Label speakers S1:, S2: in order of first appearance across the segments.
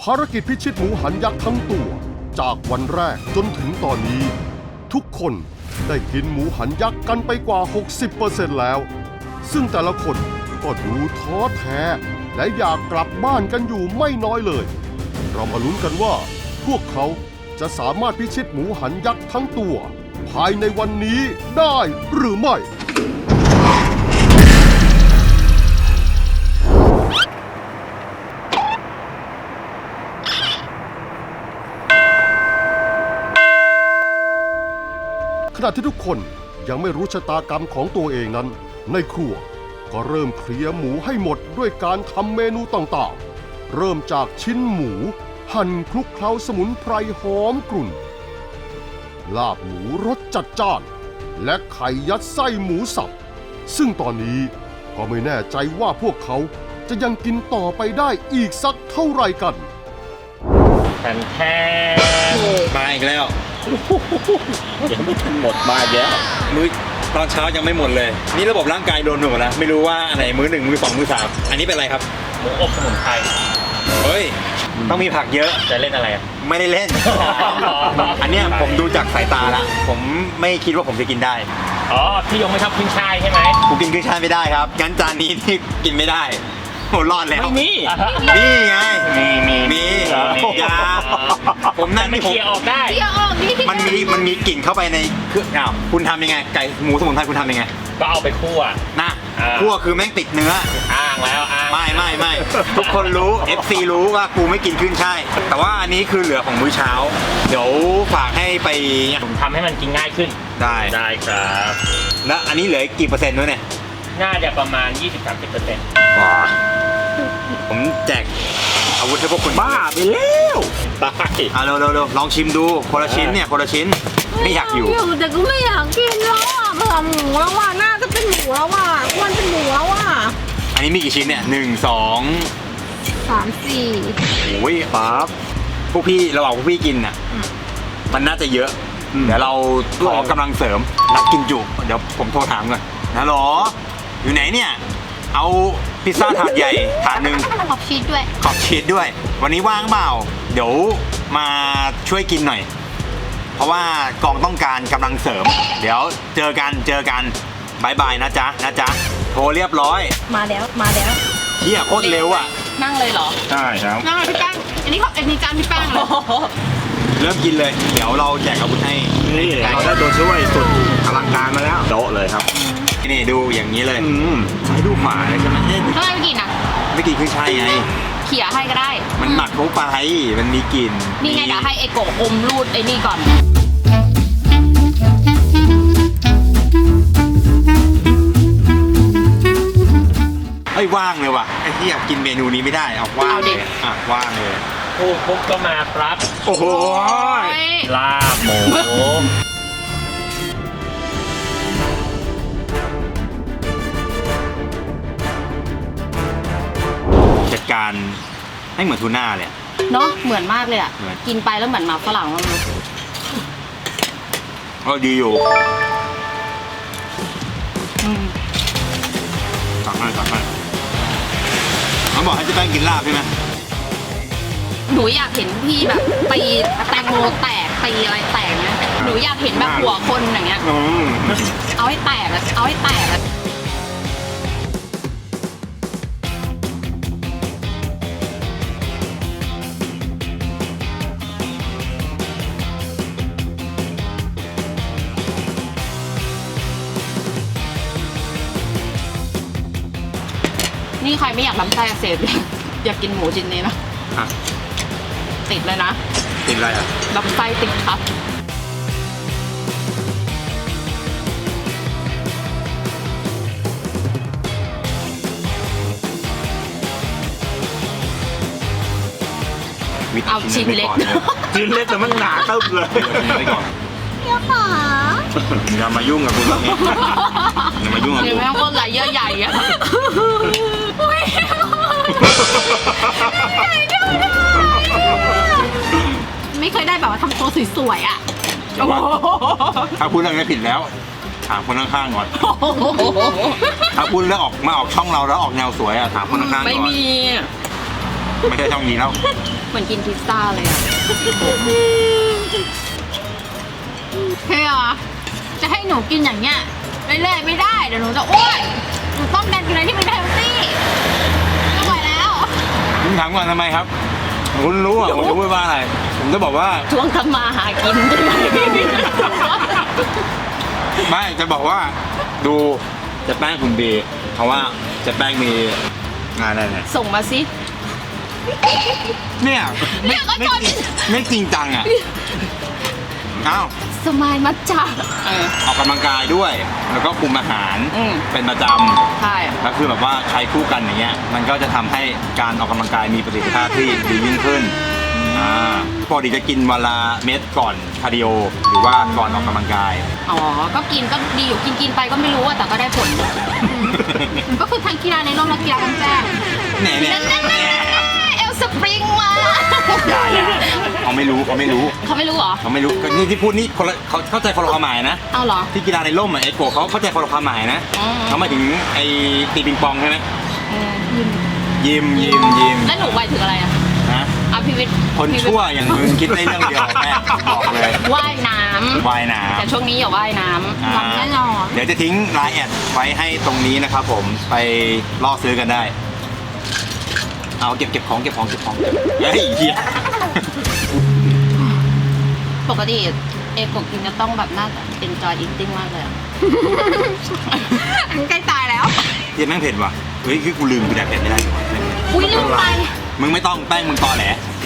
S1: ภารกิจพิชิตหมูหันยักษ์ทั้งตัวจากวันแรกจนถึงตอนนี้ทุกคนได้กินหมูหันยักษ์กันไปกว่า 60% แล้วซึ่งแต่ละคนก็ดูท้อแท้และอยากกลับบ้านกันอยู่ไม่น้อยเลยเรามาลุ้นกันว่าพวกเขาจะสามารถพิชิตหมูหันยักษ์ทั้งตัวภายในวันนี้ได้หรือไม่ขณะที่ทุกคนยังไม่รู้ชะตากรรมของตัวเองนั้นในครัวก็เริ่มเคลียร์หมูให้หมดด้วยการทำเมนูต่างๆเริ่มจากชิ้นหมูหั่นคลุกเคล้าสมุนไพรหอมกรุ่นลาบหมูรสจัดจ้านและไข่ยัดไส้หมูสับซึ่งตอนนี้ก็ไม่แน่ใจว่าพวกเขาจะยังกินต่อไปได้อีกสักเท่าไหร่กัน
S2: แทน
S3: มาอีกแล้ว
S2: ยังไม่ทันหมดมาแล้ว
S3: มื้อตอนเช้ายังไม่หมดเลยนี่ระบบร่างกายโดนหนูนะไม่รู้ว่าอันไหนมื้อ 1 มื้อ 2 มื้อ 3อันนี้เป็นอะไรครับ
S2: หมูอบสมุนไพร
S3: เฮ้ยต้องมีผักเยอะ
S2: จะเล่นอะไร
S3: ไม่ได้เล่น อันเนี้ยผมดูจากสายตาละผมไม่คิดว่าผมจะกินได้
S2: อ๋อพี่ยงไม่ชอบขึ้นช่ายใช่ไหม
S3: กูกินขึ้นช่ายไม่ได้ครับงั้นจานนี้ที่กินไม่ได้โหรอดแล้ว
S2: ไม่มี
S3: นี่ไง
S2: มี
S3: ยาผมนั่น
S2: ไม่เคลียร์ออกได้
S4: เคลียร์ออกนี่
S3: มันมีกลิ่นเข้าไปในเครื่องอ้าวคุณทำยังไงไก่หมูสมุนไพรคุณทำยังไง
S2: ก็เอาไปคั่ว
S3: นะคั่วคือแม่งติดเนื้อ
S2: อ้างแล้ว
S3: ไม่ทุกคนรู้ FC รู้ว่ากูไม่กินขึ้นช่ายแต่ว่าอันนี้คือเหลือของมื้อเช้าเดี๋ยวฝากให้ไป
S2: ผมทำให้มันกินง่ายขึ้น
S3: ได้
S2: ครับ
S3: แล้วอันนี้เหลือกี่เปอร์เซ็นต์ด้วยเนี่ย
S2: น่าจะประมาณ 20-30%
S3: ว้าผมแจกอาวุธให้พวกคุณ
S2: บ้าไปแล้วตาย
S3: เร็วลองชิมดูคนละชิ้นเนี่ยคนละชิ้นไม่อยากอยู่
S4: แต่ก็ไม่อยากกินแล้วอ่ะเบื่อหมูแล้วอ่ะหน้าก็เป็นหมูแล้วอ่ะอ้วนเป็นหมูแล้วอ่ะ
S3: อันนี้มีกี่ชิ้นเนี่ย1 2
S4: 3 4
S3: โอ้ยปั๊บพวกพี่ระหว่างพวกพี่กินน่ะมันน่าจะเยอะเดี๋ยวเราขอกำลังเสริมนักกินจุเดี๋ยวผมโทรถามก่อนนะหรออยู่ไหนเนี่ยเอาพิซซ่าถาดใหญ่ถาดหนึ่ง
S4: ขอบชีส
S3: ด้วยวันนี้ว่างเปล่าเดี๋ยวมาช่วยกินหน่อยเพราะว่ากองต้องการกำลังเสริมเดี๋ยวเจอกันบายนะจ๊ะโทรเรียบร้อย
S4: มาแล้ว
S3: เฮียโคตรเร็วอ่ะ
S4: นั่งเลยเหรอ
S3: ใช่ครับ
S4: นั่งเลยพี่แป้งอันนี้จานพี่แป้งเลย
S3: เริ่มกินเลยเดี๋ยวเราแจกอาวุธให้
S2: นี่เราได้ตัวช่วยสุดอลังการมาแล้วโต๊ะเลยครับ
S3: นี่ดูอย่างนี้เลยซ้ายดูขวาเลยใช่ไหม
S4: ทำไมไม่กินอ่ะ
S3: ไม่กินคือใช่ไง
S4: เขี่ยให้ก็ได้
S3: มันหมักเข้าไปมันมีกลิ่น
S4: นี่ไงเดี๋ยวให้ไอโกะอมรูดไอ้นี่ก่อน
S3: เฮ้ยว่างเลยว่ะไอ้ที่อยากกินเมนูนี้ไม่ได้เอาว่างเลยว่างเลย
S2: ปุ๊บก็มาครับ
S3: โอ้โห
S2: ลาบหมู
S3: จัดการให้เหมือนทูน่าเลย
S4: เนาะเหมือนมากเลยอ่ะกินไปแล้วเหมือนหมาฝรั่งมัน
S3: ก็ดีอยู่ตักให้เขาบอกให้เจ๊แป้งกินลาบใช่ไหม
S4: หนูอยากเห็นพี่แบบตีแตงโมแตกตีอะไรแตกนะหนูอยากเห็นแบบหัวคนอย่างเงี้ยเอาให้แตกนี่ใครไม่อยากลำไส้อักเสบอยากกินหมูชิ้นนี้นะติดเลยนะ
S3: ติดอะไรอ่ะ
S4: ลำไส้ติดครับเอาชิ้นเล็ก
S2: แต่มันหนาตึ๊บเลย
S4: ไปก่อน
S3: อย่ามายุ่งกับกูแบบนี้อย่ามายุ่งกับกู
S4: เดี๋ยวแม่งก็ไหลเยอะใหญ่อะไม่เคยได้แบบว่าทำตัวสวยๆอ่ะ
S3: ถ้าพูดเรื่องนี้ผิดแล้วถามคนข้างๆก่อนถ้าพูดแล้วมาออกช่องเราแล้วออกแนวสวยอ่ะถามคนข้างๆก่อน
S4: ไม่มี
S3: ไม่ใช่ช่องนี้แล้ว
S4: เหมือนกินพิซซ่าเลยอะเฮียจะให้หนูกินอย่างเงี้ยเรื่อยๆไม่ได้เดี๋ยวหนูจะอ้วนหนูต้องการกินอะไรที่มันเฮลตี้ไม่ไหวแล้ว
S3: คุณถามก่อนทำไมครับคุณรู้อ่ะผมจะพูดว่าอะไร ผมจะบอกว่า
S4: ช่วงทำมาหากินใช่ไหม
S3: ไม่จะบอกว่าดูเจะแป้งคุณดีเพราะว่าเจะแป้งมีงานอะไรเนี่ย
S4: ส่งมาสิ
S3: เนี่ย
S4: เนี่ยก็จน
S3: ไม่จริงจังอ่ะอ้าว
S4: สมายมัจจา
S3: ออกกำลังกายด้วย แล้วก็คุมอาหาร
S4: อืม
S3: เป็นประจ
S4: ใช่
S3: ำแล้วคือแบบว่าใช้คู่กันอย่างเงี้ยมันก็จะทำให้การออกกำลังกายมีประสิทธิภาพที่ดียิ่งขึ้นปกติจะกินวันละเม็ดก่อนคาร์ดิโอหรือว่าก่อนออกกำลังกาย
S4: อ๋อก็กินก็ดีอยู่กินไปก็ไม่รู้อะแต่ก็ได้ผลก็คือทั้งกีฬาในร่มและกีฬากลางแจ้ง
S3: เนี่ยเนี่ย
S4: นั่นเอลสปริงมา
S3: อย่าเขาไม่รู้เขาไม่รู้
S4: เขาไม่รู้เหรอ
S3: เขาไม่รู้ก็นี่ที่พูดนี่คนละเขาเข้าใจคนละความหมายนะ
S4: เอาเหรอ
S3: ที่กีฬาในร่มอ่ะไอ้โกะเขาเข้าใจคนละความหมายนะ
S4: อืม
S3: เขาหมายถึงไอ้ตีปิงปองใช่ไหม
S4: ยิม
S3: ยิม
S4: แล้วหนูหมายถึงอะไรอะ
S3: นะ
S4: อ่ะพี่วิทย์
S3: คนชั่วอย่างมึงคิดได้เรื่องเดียวแม่บอกเลย
S4: ว่ายน้ำ
S3: ว่ายน้
S4: แต่ช่วงนี้อย่าว่ายน้
S3: ำ
S4: ำทำแน่นอน
S3: เดี๋ยวจะทิ้งไลน์แอดไว้ให้ตรงนี้นะครับผมไปล่อซื้อกันได้ เอาเก็บของเฮ้ยเหี้ย
S4: ปกติเอกกินจะต้องแบบน่าจะ enjoy eating มากเลยอะ ใกล้ตายแล้ว
S3: เหี้ยแม่งเผ็ดว่ะเฮ้ยคือกูลืมกูแดกเผ็ดไม่ได้
S4: อุ้ยลืมไป
S3: มึงไม่ต้องแป้งมึงตอแหล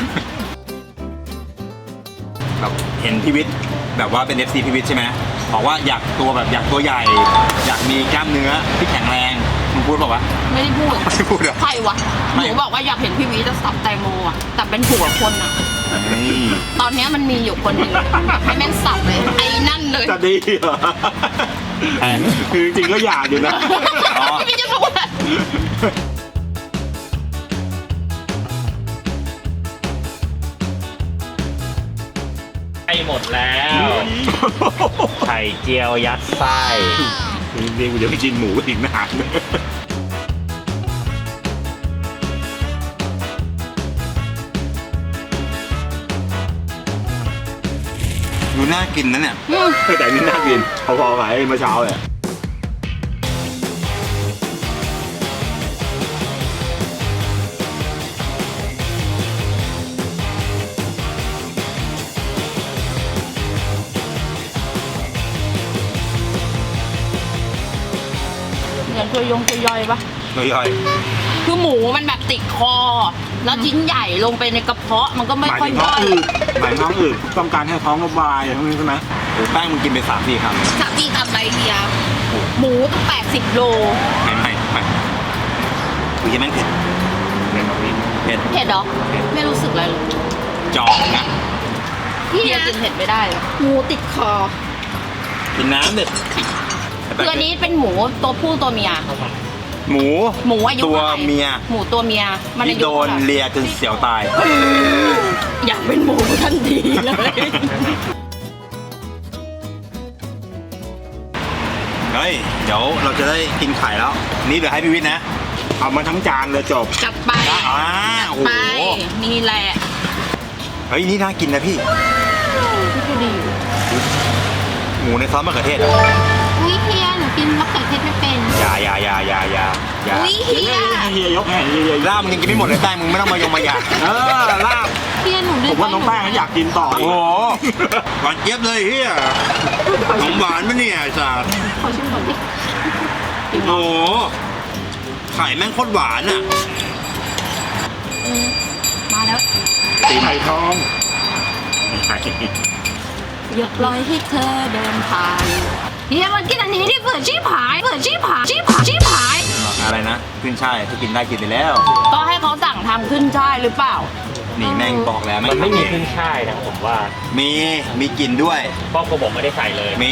S3: แบบเห็นพิวิทย์แบบว่าเป็น FC พิวิทย์ใช่ไหมบอกว่าอยากตัวใหญ่ อยากมีกล้ามเนื้อที่แข็งแรงมึงพูดบอกว่า
S4: ไม่ได้พูด
S3: ไม่พูดเหรอ
S4: ใครวะ
S3: ไม่
S4: หนูบอกว่าอยากเห็นพี่วีจะสับแตงโมอะแต่เป็นหัวคนอะ
S3: นี่
S4: ตอนเนี้ยมันมีอยู่คนหนึ่งให้แม่งสับเลย ไอ้นั่นเลย
S2: จะดีเหรอคือจริงๆก็อยากอยู่นะ
S4: พี่จะรู้อะไร
S5: ไอหมดแล้ว ไข่เจียวยัดไส้
S2: นี่กูจะไปกินหมูอีกนาน
S3: ดูน่ากินนะเนี่ย
S2: แต่นี่น่ากินพอๆกับไอ้เมื่อเช้าเลย
S4: เหมือนตัวยย่อยปะ
S3: ย่อย
S4: คือหมูมันแบบติดคอ แล้วชิ้นใหญ่ลงไปในกระเพาะมันก็ไม่
S2: หมาย
S4: ค่อ
S2: ถึ
S4: ย
S2: งท้อง
S4: ย่อย
S2: อืดหมายถึงท้องอืดต้องการให้ท้องระบายอะไรพวกนี้ใช่ไหม
S3: ๆโอ้แป้งมึงกินไป3-4 คำ
S4: สับที่ทำไรเดียหมูต้อง80 โล
S3: ไม่กูยังแม่งเผ็ด
S2: เป็นแบบนี้
S3: เผ็ด
S4: เผ็ดเหรอ ไม่รู้สึกอะไรเลย
S3: จอกนะ
S4: พี่กินเผ็ดไม่ได้เลยหมูติดคอ
S3: กินน้ำเด็ด
S4: คืออันนี้เป็นหมูตัวผู้ตัวเมีย
S3: หมู
S4: หมูอายุ
S3: ตัว
S4: ท่าไหร่
S3: เมีย
S4: หมูตัวเมีย มันอา
S3: ที่
S4: ยุ
S3: โดน
S4: เท่าไหร่
S3: เลียจนเสียวตาย
S4: อยากเป็นหมูทันทีเลย
S3: เฮ้ย เดี๋ยวเราจะได้กินไข่แล้ว นี่เดี๋ยวให้พี่วิทย์นะ
S2: เอามาทั้งจานเลยจบ
S4: จัดไป
S3: โอ้โห
S4: ไปนี่แหละ
S3: เฮ้ย นี่น่ากินนะพี่
S4: พี่ก็ดี
S3: หมูในซอสมะเขือเทศอ่ะ
S4: อุ้ยเฮียหนูกินมะเขือเทศไม่เป็น
S3: อย่า
S4: อุ้ยเฮีย
S2: ให้เฮียยกให้เฮียยก
S3: ลาบมึงยังกินไม่หมดเลยแป้งมึงไม่ต้องมายงมาอยาก
S2: ลาบ
S4: เฮียหนู
S2: ผมว่าน้องแป้งอยากกินต่อ
S3: โอ้โหหวานเจี๊ยบเลยเฮียขนมหวานมั้ยเนี่ยไอ้สัส
S4: ขอชิมก่อนดิ
S3: โอ้โหไข่แม่งโคตรหวานอ่ะ
S4: มาแล้ว
S2: ตีไข่ทอง
S4: อยากปล่อยให้เธอเดินผ่านเฮียมันกินอันนี้ที่เปิดชี้ผายชี้ผาย
S3: อะไรนะขึ้นช่ายถ้ากินได้กินไปแล้ว
S4: ก็ให้เขาสั่งทำขึ้นช่ายหรือเปล่า
S3: นี่แม่งบอกแล้ว
S5: มันไม่มี
S3: ทำเอง
S5: ขึ้นช่ายนะผมว่า
S3: มีกลิ่นด้วย
S5: เพราะผมไม่ได้ใส่เลย
S3: มี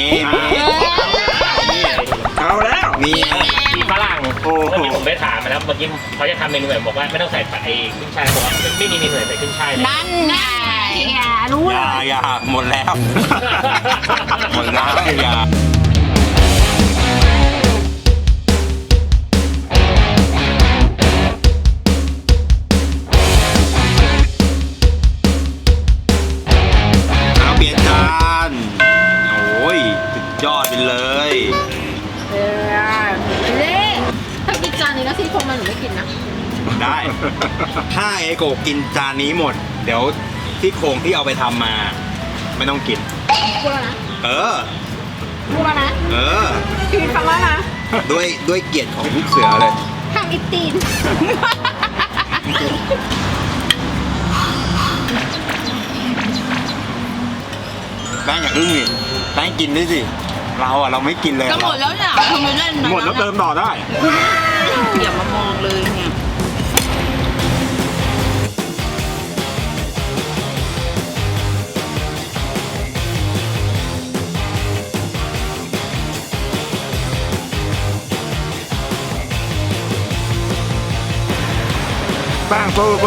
S2: เอาแล้ว
S3: มี
S5: มีฝรั่ง
S2: โอ้โห
S5: เมื่อกี้ผมไปถามมาแล้วเมื่อกี้เขาจะทำเมนูแบบบอกว่าไม่ต้องใส่ไอ้ขึ้นช่ายบอกว่าไม่มีเมนูไหนใส่ขึ้นช่ายเลย
S4: นั่นไงรู้
S3: อ
S4: เลย
S3: ย่าหมดแล้วหมดแล้วอย่าถ้าเอโกะกินจานนี้หมด เดี๋ยวที่โครงที่เอาไปทำมา ไม่ต้องกิน
S4: พูดแล้วนะ
S3: เออ
S4: พูดแล้วนะ
S3: เออ
S4: พี่วิทย์ฟังแล้วนะ
S3: ด้วยเกียรติของลูกเสือเลย
S4: ทำอิตีน
S3: แป้งอย่าอึ้งดิแป้งกินด้วยสิ เราไม่กินเลย
S4: ก็หมดแล้วเนี่ยทำไมเล่นนะ
S2: หมดแล้วเติมต่อได้
S4: อย่ามามองเลยเนี่ย
S2: แป้งโซ่โซ่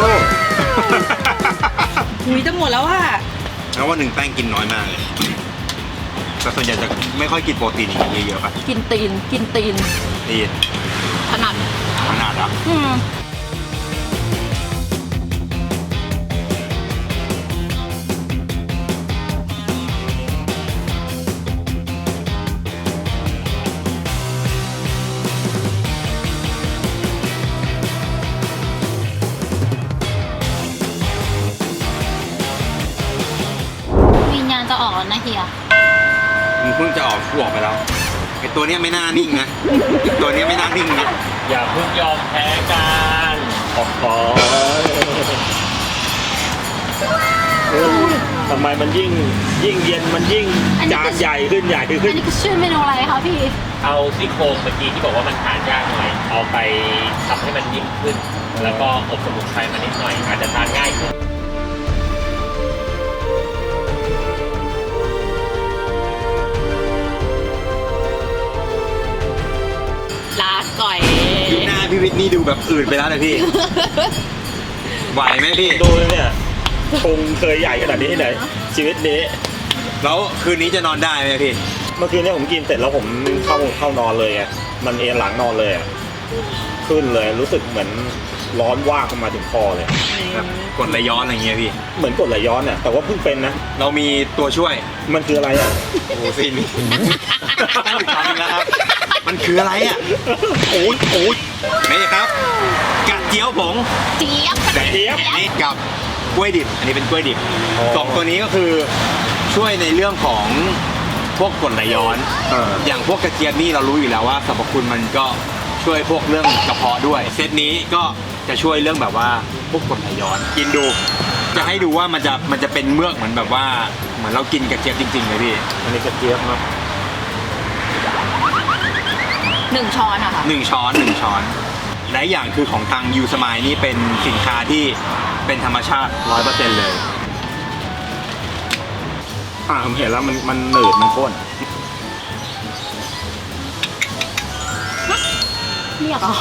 S4: หุยจะหมดแล้วอ่ะ
S3: แล้ววันหนึ่งแป้งกินน้อยมากเลยแต่ส่วนใหญ่จะไม่ค่อยกินโปรตีนอย่างนี้เยอะๆป่ะ
S4: กินตีน
S3: ตีน
S4: ถนัด
S3: ขนาดอ่ะ
S4: วิญญาณจะออกแล้วนะเฮีย
S3: มึงเพิ่งจะออกกูออกไปแล้วไอตัวเนี้ยไม่น่านิ่งนะตัวเนี้ยไม่น่านิ่งนะ
S5: อย่าเพิ่งยอมแพ้กันโอ้โหทำไมมันยิ่งเย็นมันยิ่งจานใหญ่ขึ้น
S4: อันนี้คือชื่อเมนูอะไรคะพี่
S5: เอาซี่โครงเมื่อกี้ที่บอกว่ามันทานยากหน่อย เอาไปทำให้มันยิ่งขึ้น แล้วก็อบสมุนไพรมานิดหน่อย อาจจะทานง่ายขึ้น
S4: ลาก่อย
S3: ดูหน้าพี่วิทย์นี่ดูแบบอื่นไปแล้วนะพี่ ไหวไหมพี่
S5: ดูเนี่ยคงเคยใหญ่ขนาดนี้ที่ไหนชีวิตนี้
S3: แล้วคืนนี้จะนอนได้ไหมพี่
S5: เมื่อคืนเนี่ยผมกินเสร็จแล้วผมเข้านอนเลยไงมันเอนหลังนอนเลยอะขึ้นเลยรู้สึกเหมือนร้อนว่างเข้ามาถึงคอเลย
S3: แบบกดไหลย้อนอะไรเงี้ยพี่
S5: เหมือนกดไหลย้อนเนี่ยแต่ว่าเพิ่งเป็นนะ
S3: เรามีตัวช่วย
S5: มันคืออะไรอ่ะ
S3: โอ้โหซีนนี้ตั้งอีกครั้งแล้วครับ มันคืออะไรอ่ะ โอ้ยนี่ครับกระเจียวผง
S4: เจี๊ยบ
S3: กระเจี๊ยบนี่กับกล้วยดิบ อันนี้เป็นกล้วยดิบสองตัวนี้ก็คือช่วยในเรื่องของพวกกรดไหลย้อน อย่างพวกกระเจี๊ยบนี่เรารู้อยู่แล้วว่าสรรพคุณมันก็ช่วยพวกเรื่องกระเพาะด้วย เซตนี้ก็จะช่วยเรื่องแบบว่าพวกกรดไหลย้อน กินดู จะให้ดูว่ามันจะเป็นเมือกเหมือนแบบว่าเหมือนเรากินกระเจี๊ยบจริงๆเลยพี่
S5: อันนี้กระเจี๊ยบเนาะ
S4: 1 ช้อนอะค่ะ
S3: หนึ่งช้อนและอย่างคือของทางยูสมายนี่เป็นสินค้าที่เป็นธรรมชาติ 100% เลย
S5: ผมเห็นแล้วมันหนืดมันข้น
S4: เรียกเหรอ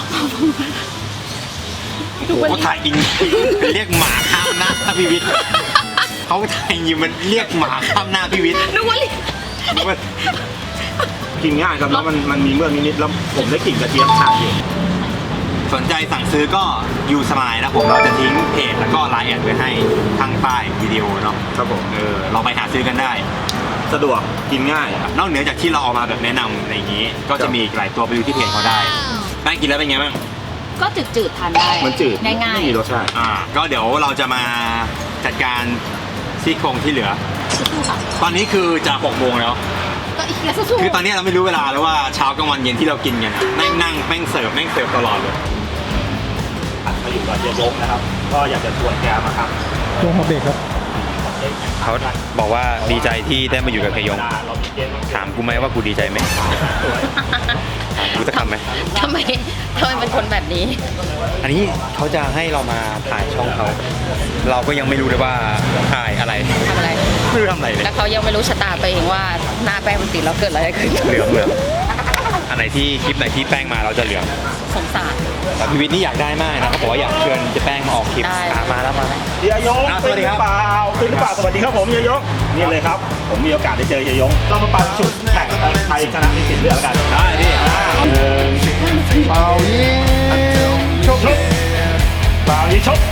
S3: โอ้โหถ่ายอินเรียกหมาข้ามหน้าพี่วิทย์เขาถ่ายอยู่มันเรียกหมาข้ามหน้าพี่วิทย์
S4: นึกว่าเรียก
S3: นึกว่า
S5: กินง่ายครับแล้วมันมีเมือกนิดๆแล้วผมได้กลิ่นกระเจี๊ยบขาดอยู่
S3: สนใจสั่งซื้อก็ยูสมายนะผมเราจะทิ้งเพจแล้วก็ไลน์แอดไว้ให้ข้างใต้วิดีโอเนาะ
S5: ครับผม
S3: เราไปหาซื้อกันได้
S5: สะดวกกินง่าย
S3: นอกเหนือจากที่เราเอามาแบบแนะนำอะไรอย่างนี้ ก็จะมีอีกหลายตัวไปดูที่เพจเขาได้แป้งกินแล้วเป็นไงบ้าง
S4: ก็จืดๆทานได้
S5: มันจืด
S4: ง่าย
S5: ไม่มีรสชาติ
S3: ก็เดี๋ยวเราจะมาจัดการซี่โครงที่เหลือ
S4: ๆสู้ๆค่ะ
S3: ตอนนี้คือจะ6 โมงแล้ว
S4: ก็อีกแล้วสู้
S3: คือตอนนี้เราไม่รู้เวลาแล้วว่าเช้ากลางวันเย็นที่เรากินกันอะแม่งเสิร์ฟตลอดเลย
S5: มาอยู่กับเฮียยงนะครับ ก็อยากจะชวนแกมาครับ
S6: ลงมาเบรกครับ
S3: เขาบอกว่าดีใจที่ได้มาอยู่กับพยงถามกูไหมว่ากูดีใจไหมกูจะทำไหม
S4: ทำไมเป็นคนแบบนี้
S3: อันนี้เขาจะให้เรามาถ่ายช่องเขา เราก็ยังไม่รู้เลยว่าถ่ายอะไร
S4: ทำอะไร
S3: ไม่รู้ทำอะไรเลย
S4: แล้วเขายังไม่รู้ชะตาตัวเองว่าหน้าแป้งมันติดแล้วเกิดอะไรขึ้น
S3: เหลืองอันไหนที่คลิปไหนที่แป้งมาเราจะเหลือง
S4: สงสาร
S3: แต่พีวิทย์นี่อยากได้มากนะเขาบอกว่าอยากเชิญเจ๊แป้งมาออกคลิป
S4: ได้
S3: มาแล้ว
S5: เฮียยง
S3: สวัสดีครับ
S5: เป็นหรือเปล่าสวัสดีครับผมเฮียยงนี่เลยครับ ผมมีโอกาสได้เจอเฮียยงเรามาปันจุดแข่งใครชนะในสิทธิ์เลือกกัน
S3: ได้พี่
S1: เป่ายิงชก
S5: เปล่ายิงชก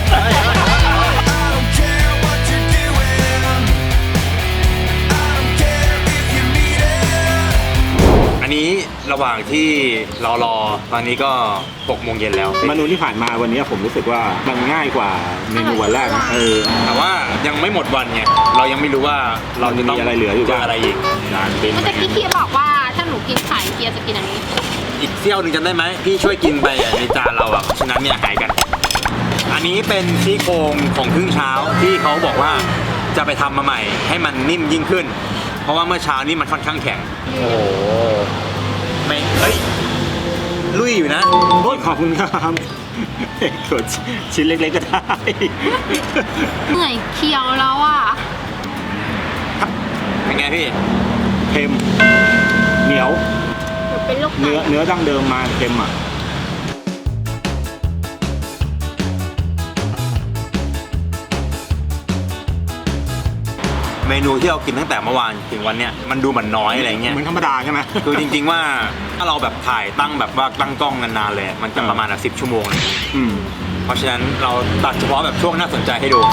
S3: อันนี้ระหว่างที่เรารอตอนนี้ก็6 โมงเย็นแล้ว
S5: เมนูที่ผ่านมาวันนี้ผมรู้สึกว่ามันง่ายกว่าเมนูวันแรกนะ
S3: แต่ว่ายังไม่หมดวันไงเรายังไม่รู้ว่าเราจะต้อง
S5: มีอะไรเหลืออยู่
S3: เจออะไรอีก
S5: จานเป็น
S4: เมื่อกี้เคียบอกว่าถ้าหนูกินไข่เคียจะกินอันนี้
S3: อีกเซี่ยวหนึงจำได้ไหมพี่ช่วยกินไปในจานเราฉะนั้นเนี่ยหายกัน อันนี้เป็นซี่โครงของครึ่งเช้าที่เขาบอกว่าจะไปทำมาใหม่ให้มันนิ่มยิ่งขึ้น เพราะว่าเมื่อเช้านี้มันค่อนข้างแข็ง
S5: โอ้โห
S3: ไม่เฮ้ยลุยอยู่นะ
S5: โอ้ยขอบคุณครับกดชิ้นเล็กๆก็ได้
S4: เหนื่อยเคี้ยวแล้วอ่ะ
S3: เป็นไงพี่
S5: เค็มเหนียว
S4: หนูเป็นลูก
S5: เนื้อดั้งเดิมมาเค็มอ่ะ
S3: เมนูที่เรากินตั้งแต่เมื่อวานถึงวันเนี้ยมันดูเหมือนน้อยอะไรเงี้ย
S5: เหมือนธรรมดาใช่ไหม
S3: คือจริงๆว่าถ้าเราแบบถ่ายตั้งแบบว่าตั้งกล้องนานๆเลยมันจะประมาณ10 ชั่วโมงเลย เพราะฉะนั้นเราตัดเฉพาะแบบช่วงน่าสนใจให้ดู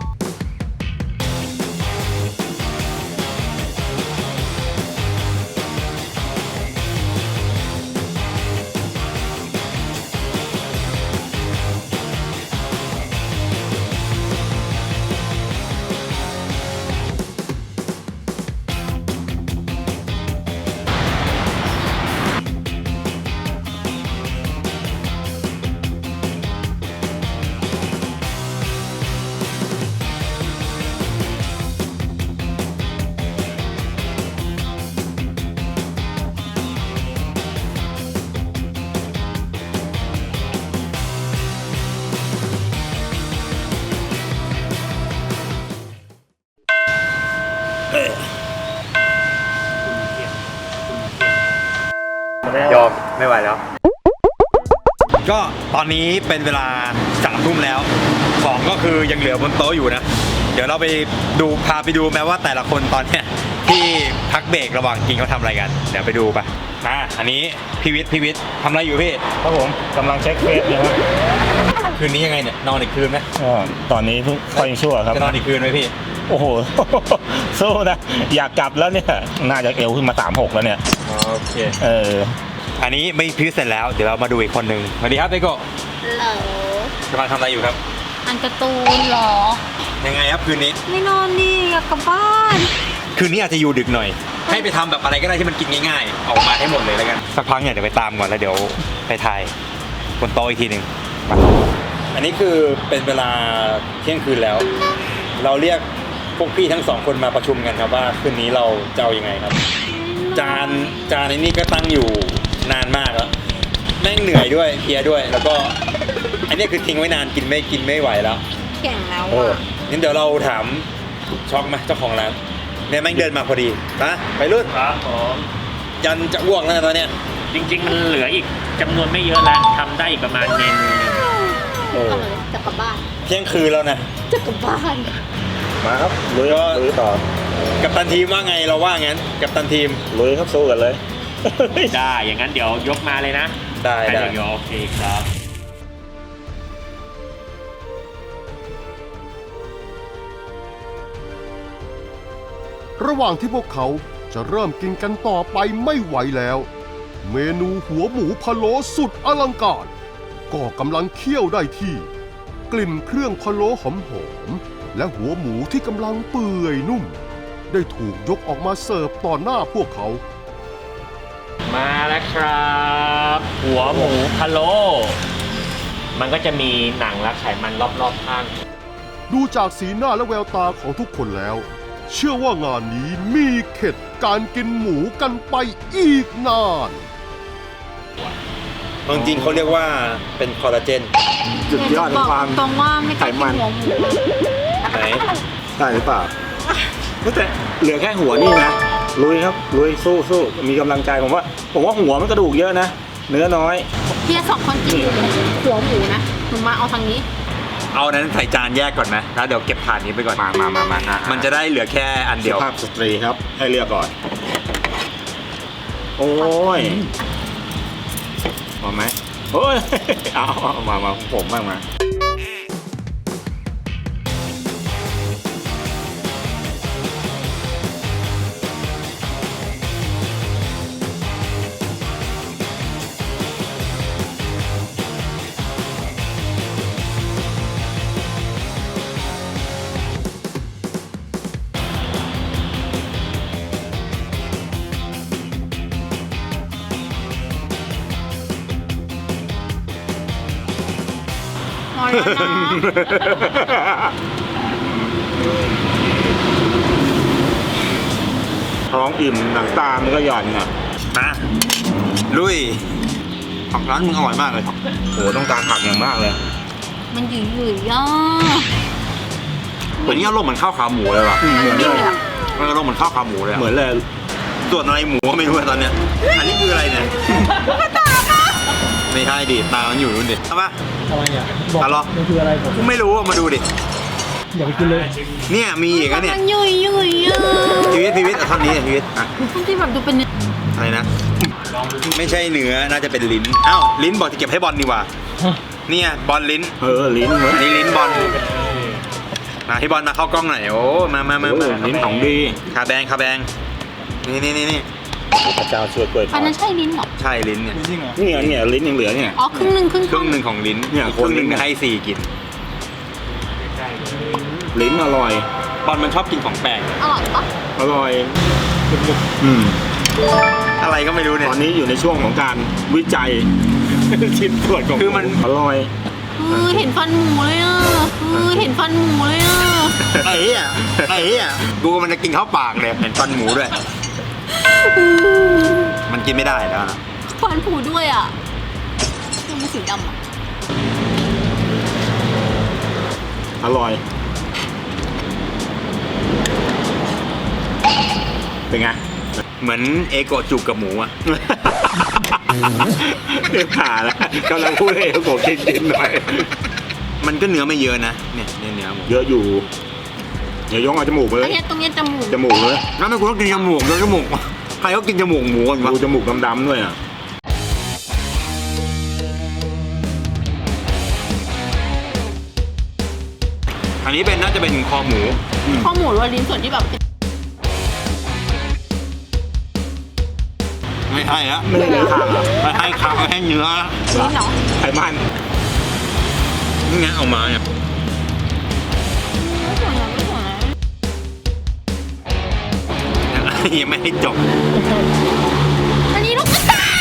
S3: ยอมไม่ไหวแล้ว ก็ตอนนี้เป็นเวลา3 ทุ่มแล้วของก็คือยังเหลือบนโต๊ะอยู่นะ เดี๋ยวเราไปดูพาไปดูแม้ว่าแต่ละคนตอนเนี้ยที่พักเบรกระหว่างกินเขาทำอะไรกันเดี๋ยวไปดูไปอันนี้พี่วิทย์ทำอะไรอยู่พี่
S5: ครับผมกำลังเช็คเฟซอยู่ครับ
S3: คืนนี้ยังไงเนี่ยนอนอีกคืนไหม
S5: ตอนนี้เพิ่งค่อยชั่วครับ
S3: จะนอนอีกคืนไหมพี่
S5: โอ้โห สู้นะ อยากกลับแล้วเนี่ย น่าจะเอวขึ้นมา36แล้วเนี่ย
S3: โอเคอันนี้ไม่พิวเสร็จแล้วเดี๋ยวเรามาดูอีกคนหนึ่งสวัสดีครับเบโกะ
S4: เหรอก
S3: ำลังทำอะไรอยู่ครับ
S4: อันการ์ตูนเหรอ
S3: ยังไงครับคืนนี้
S4: ไม่นอนดิอยากกลับบ้าน
S3: คืนนี้อาจจะอยู่ดึกหน่อย ให้ไปทำแบบอะไรก็ได้ที่มันกินง่ายๆออกมาให้หมดเลยแล้วกันสักพักเนี่ยเดี๋ยวไปตามก่อนแล้วเดี๋ยวไปถ่ายบนโต๊ะอีกทีหนึ่งอันนี้คือเป็นเวลาเที่ยงคืนแล้ว เราเรียกพวกพี่ทั้ง2 คนมาประชุมกันครับว่าคืนนี้เราจะเอายังไงครับ จานในนี้ก็ตั้งอยู่นานมากแล้วแม่งเหนื่อยด้วยเพลียด้วย แล้วก็อันนี้คือทิ้งไว้นานกินไม่ไหวแล้ว
S4: แข่งแล้ว
S3: โอ้
S4: อ่ะ
S3: งั้นเดี๋ยวเราถามช็อกไหมเจ้าของร้านเนี่ยแม่งเดินมาพอดีนะไปรุ่น
S6: ครับผม
S3: ยันจะอ้วกแล้วนะตอนเนี้ย
S6: จริง ๆ มันเหลืออีกจำนวนไม่เยอะแล้วทำได้อีกประมาณเมนูหนึ่ง
S4: เอาเลยจะกลับบ้าน
S3: เที่ยงคืนแล้วนะ
S4: จะกลับบ้าน
S5: มาครับลุยต่อ
S3: กัปตันทีมว่าไงเราว่างั้นกัปตันทีม
S5: ลุยครับสู้กันเลย
S6: ได้อย่างนั้นเดี๋ยวยกมาเลยนะ
S3: ได้
S6: เดี๋ยวโอเคครับ
S1: ระหว่างที่พวกเขาจะเริ่มกินกันต่อไปไม่ไหวแล้ว เมนูหัวหมูพะโล้สุดอลังการก็กำลังเคี่ยวได้ที่ กลิ่นเครื่องพะโล้หอมๆและหัวหมูที่กำลังเปื่อยนุ่ม ได้ถูกยกออกมาเสิร์ฟต่อหน้าพวกเขา
S6: มาแล้วครับ หัวหมูพะโล้มันก็จะมีหนังและไขมันรอบๆข้าง
S1: ดูจากสีหน้าและแววตาของทุกคนแล้ว เชื่อว่างานนี้มีเข็ดการกินหมูกันไปอีกนาน
S3: จริงๆเขาเรียกว่าเป็นคอลลาเจน
S5: จุดยอดของความ
S4: ตรงว่าไม่ต้องกินหัวหมู
S3: ไหน
S5: ได้หรือเปล่าแต่เหลือแค่หัวนี่นะ ลุยครับ ลุยสู้มีกำลังใจผมว่าหัวมันกระดูกเยอะนะ เนื้อน้อย
S4: เฮีย2 คนกินหัวหมูนะหนูมาเอาทางนี้
S3: เอานั้นใส่จานแยกก่อนไหมแล้วเดี๋ยวเก็บถาดนี้ไปก่อน
S5: มา
S3: มันจะได้เหลือแค่อันเดียว
S5: สุภาพสตรีครับ ให้เลือกก่อน โอ้ยพอไหมโอ้ย เอามาผมบ้างมา
S4: อยแล้วนะ
S5: ท้องอิ่มหนังตามันก็หย่อนอ่ะ
S3: มาลุยผักร้านมึงอร่อยมากเลย
S5: โหต้องการผักอย่างมากเลย
S4: มันหยุ่ยๆอ่ะ
S3: เหมือนนี่อารมณ์เหมือนข้าวขาหมูเลยว่ะ
S5: เหมือนเลย
S3: มันอารมณ์เหมือนข้าวขาหมูเลยอะ
S5: เหมือนเลย
S3: ส่วนอะไรหมูก็ไม่รู้อะตอนเนี้ยอันนี้คืออะไรเนี่ยไม่ใช่ดิตามันอยู่นู่นดิเอาปะ
S7: อะไรอ่ะบอก
S3: เอาเหรอ
S7: มันคืออะไรผม
S3: กูไม่รู้อะมาดูดิ
S7: อย่าไปกินเลย
S3: เนี่ยมีอีกอะเนี่ย
S4: มันหยุ่ยๆอ่ะ
S3: พีวิทย์เอาท่อนนี้อะพีวิทย์อะ
S4: ที่แบบดูเป็น
S3: อะไรนะไม่ใช่เนื้อน่าจะเป็นลิ้นอ้าวลิ้นบอกจะเก็บให้บอลดีกว่าเนี่ยบอลลิ้น
S5: ลิ้นเหมือน
S3: อันนี้ลิ้นบอลมาให้บอลมาเข้ากล้องหน่อยโอ้มา
S5: ลิ้นของดี
S3: คาแบงนี่
S5: พระเจ้าช่วยกล้วยท
S4: อั
S5: อน ด
S4: นั้นใช่ลิ้นเหรอ
S3: ใช่ลิ้นเนี่ย
S5: เนี่ยลิ้นยังเหลือเนี่ย
S4: อ๋อครึ่งหนึ่งครึ่ง
S3: ครึ่งหนึ่งของลิ้น
S5: เนี่ย
S3: ครึ่งหนึ่ง
S5: คนลิ้น
S3: ให้ซีกิน
S5: ลิ้นอร่อย
S3: บอลมันชอบกินของแปลก
S4: อร่อยปะ
S5: อร่อยอืม
S3: อะไรก็ไม่รู้เนี่ย
S5: ตอนนี้อยู่ในช่วงของการวิจัย ชิ้นส่วนของ
S3: คือมัน
S5: อร่อย
S4: เห็นฟันหมูเลยอ่ะเห็นฟันหมูเลยอ่ะ
S3: ไอ้อะดูมันจะกินเข้าปากเลยเห็นฟันหมูด้วย มันกินไม่ได้แล้วนะ
S4: ฟันผุด้วยอ่ะมันสีดำอ่ะ
S5: อร่อย เป็นไง
S3: เหมือนเอโกะจุกกับหมูอะ
S5: เดี๋ยวผ่าแล้วกำลังพูดให้ผมกินหน่อย
S3: มันก็เนื้อไม่เยอะนะเนี่ยเนื้อหมู
S5: เยอะอยู่เดี๋ยวยกเอาจมูกไปเล
S4: อัน
S5: ย
S4: นี้ตรงนี้จมูก
S5: จมูกเลย
S3: งั้นไม่กูต้องกินจมูกแล้วจมูกใครก็กินจมูกหมูกันวะ
S5: ดูจมูกดำๆด้วยอ่ะ
S3: อันนี้น่าจะเป็นคอหมู
S4: ข้อหมูหรือว่าลิ้นส่วนที่แบบ
S3: ไม่ใช่ละ
S5: ไม่ได้เลยค่ะ
S3: ไม่ให้ขาไม่ให้เนื้อ
S4: ลิ้นเหรอ
S5: ไขมัน
S3: นี่ไงเอามาเนี่ย
S4: ไม่สวยนะไม่สวยนะ
S3: ยังไม่ให้จบ
S4: อันนี้ลูกกระตาย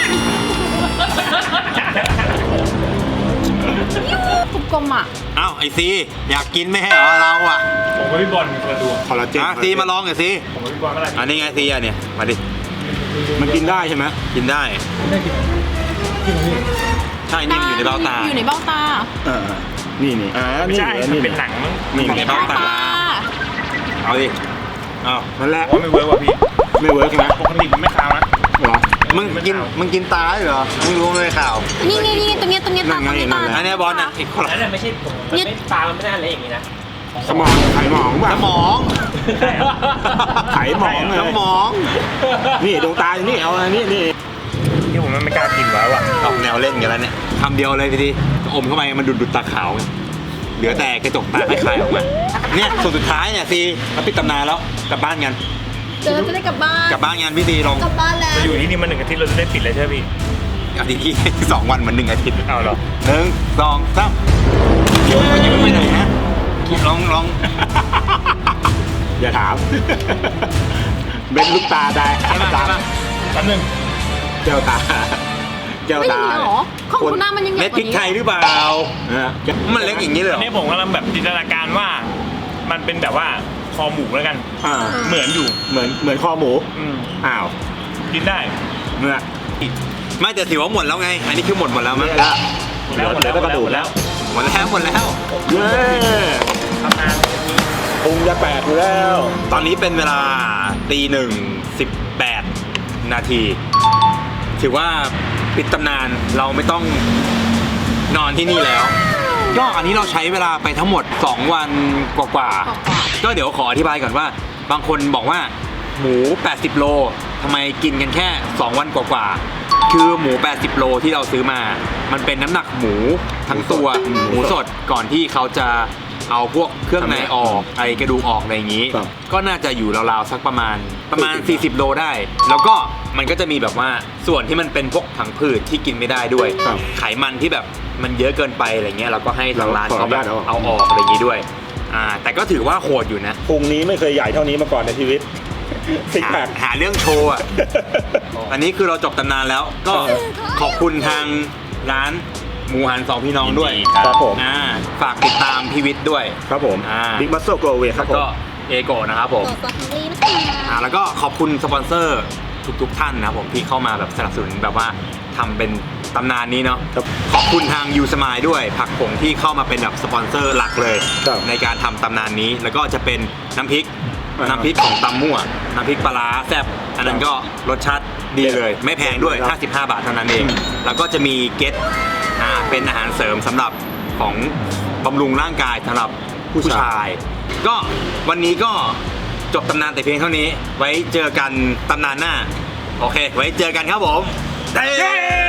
S4: กลมๆอ่ะ
S3: อ้าวไอซีอยากกินไม่ให้เหรอเราอ่ะ
S6: ผมกับพี่บอลคนละดวง
S5: คอลลาเจน
S3: ซีมาลองหน่อยซี
S6: ผมกับพี่บอลเมื่อไหร่
S3: อันนี้ไงซีอ่ะเนี่ยมาดิ
S5: มันกินได้ใช่ไหม
S3: กินได้
S7: ได้กินกินอะไร
S3: ใช่นี่มันอยู่ในเบ้าตา
S4: อยู่ในเบ้าตา
S5: นี่
S6: ไม่ใช่
S5: นี่
S6: มันเป็นหนังมั้ง
S5: นี่
S3: ในเบ้าตา เอาดิเอา
S5: นั่นแหละ
S6: ผมว่าไม่เวิร์กว่ะพี่
S5: ไม่เวิร์กใช่ไหม
S6: ปกติมันไม่คาวนะ
S5: เหรอ
S3: มึงกินตาเหรอมึงรู้เลยข่าว
S4: นี่ตรงนี้ตา
S5: นั่นไง
S4: ตรงนี้
S5: นั่
S4: ตาน
S5: แหละ
S3: อันเนี้ยบอลอ่ะอีกคนละ
S6: นั่นน่ะไม่ใช่ผมมันไม่ตามันไม่น่าเละอย่างนี้นะ
S5: สมองไขหมองป่ะ
S3: สมอง
S6: ใช่เหรอ
S5: ไขหมองเลย
S3: สมอง
S5: นี่ดวงตาอยู่นี่เอาอันนี้นี่
S6: ที่ผมไม่กล้ากินแล้วอ่ะ
S3: ออกแนวเล่นกันแล้วเนี่ยคำเดียวเลยพี่ดีอมเข้าไปมันดูดตาขาวไงเหลือแต่กระจกตาคล้ายๆออกมาเนี่ยส่วนสุดท้ายเนี่ยซีเราปิดตำนานแล้วกลับบ้านกัน
S4: เจอจะได้กลับบ้าน
S3: กลับบ้านงานพี่ซีลอง
S4: กลับบ้านแล้ว
S6: จะอยู่ที่นี่มา1 อาทิตย์เราจะได้ปิดเลยใช่ไหมพี่
S3: อาทิตย์ที่2 วันเหมือน1 อาทิตย์
S6: เอาเหรอ
S3: 1 2 3เดี๋ยวมันยังไม่ไปไหนนะลอง
S5: อย่าถาม เบ็นลูกตาได้
S3: ใช่ป่ะใช่ป่ะ
S6: แป๊บนึง
S5: แก้วตาแก้ว
S4: ไม่
S5: ตา
S4: มีเหรอของคุณหน้ามันยังใหญ่
S3: เม็ด
S4: ก
S3: พริ
S4: ว่าก นี้
S3: ไทยหรือเปล่า
S5: นะ
S3: มันเล็กอย่างนี้เลยเหร
S6: อั
S3: อน
S6: นี้ผมกำลังแบบจินตนาการว่า มันเป็นแบบว่าคอหมูแล้วกัน
S5: อ่า
S6: เหมือนอยู่
S5: เหมือนคอหมู อ้าว
S6: กินได้
S5: เมื่อ
S3: ไม่แต่ถือว่าหมดแล้วไง อันนี้คือหมดแล้วมั้ง
S5: แล้ว
S6: หมดแล้ว
S5: กระดูกแล้ว
S3: หมดแล้ว
S5: เย้
S6: ทำงาน
S5: พุงจะแตกอยู่แล้ว
S3: ตอนนี้เป็นเวลา1:18 นาที ถือว่าปิดตำนานเราไม่ต้องนอนที่นี่แล้ว ก็อันนี้เราใช้เวลาไปทั้งหมด 2 วันกว่าๆก็เดี๋ยวขออธิบายก่อนว่า บางคนบอกว่าหมู 80 โลทำไมกินกันแค่ 2 วันกว่าๆคือหมู 80 โลที่เราซื้อมา มันเป็นน้ำหนักหมูทั้งตัวหมูสดก่อนที่เขาจะเอาพวกเครื่องในออกไอกระดูกออกอะไรอย่างนี้
S5: ครับ
S3: ก็น่าจะอยู่ราวๆสักประมาณ 40 โลได้ แล้วก็มันก็จะมีแบบว่าส่วนที่มันเป็นพวกผังผืดที่กินไม่ได้ด้วย
S5: ครับ
S3: ไขมันที่แบบมันเยอะเกินไปอะไรเงี้ยเราก็ให้ทางร้านเขาแบบ
S5: ขออนุญาต
S3: เอาออกอะไรอย่างนี้ด้วยแต่ก็ถือว่าโหดอยู่นะ
S5: พุงนี้ไม่เคยใหญ่เท่านี้มาก่อนในชีวิตซิกแพค
S3: หาเรื่องโชว์อ่ะ อันนี้คือเราจบตำนานแล้ว ก็ขอบคุณทางร้านหมูหันสองพี่น้องด้วย
S6: ยินดีครับ
S5: ครับผม
S3: ฝากติดตามพี่วิทย์ด้วย
S5: ครับผม บิ๊กมัสโซโกลเวครับผม
S3: ก็เอโกะนะครับผมแล้วก็ขอบคุณสปอนเซอร์ทุกท่านนะครับผมที่เข้ามาแบบสนับสนุนแบบว่าทำเป็นตำนานนี้เนาะ
S5: ครับ
S3: ขอบคุณทางยูสมายด้วยผักผงที่เข้ามาเป็นแบบสปอนเซอร์หลักเลย
S5: ครับ
S3: ในการทำตำนานนี้แล้วก็จะเป็นน้ำพริกของตำมั่วน้ำพริกปลาร้าแซ่บอันนั้นก็รสชาติดีเลย ไม่แพงด้วย 55 บาทเท่านั้นเอง แล้วก็จะมีเก็ตเป็นอาหารเสริมสำหรับของบำรุงร่างกายสำหรับผู้ชาย ก็วันนี้ก็จบตำนานแต่เพียงเท่านี้ ไว้เจอกันตำนานหน้า โอเค ไว้เจอกันครับผมเย้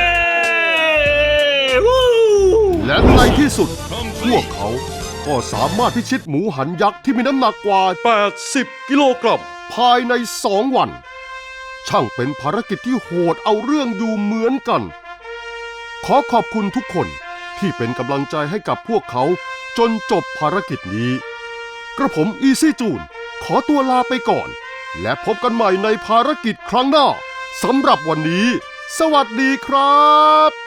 S1: และในที่สุด พวกเขาก็สามารถพิชิตหมูหันยักษ์ที่มีน้ำหนักกว่า 80 กิโลกรัมภายใน 2 วัน ช่างเป็นภารกิจที่โหดเอาเรื่องอยู่เหมือนกัน ขอขอบคุณทุกคนที่เป็นกำลังใจให้กับพวกเขาจนจบภารกิจนี้ กระผมอีซี่จูนขอตัวลาไปก่อน และพบกันใหม่ในภารกิจครั้งหน้าสำหรับวันนี้ สวัสดีครับ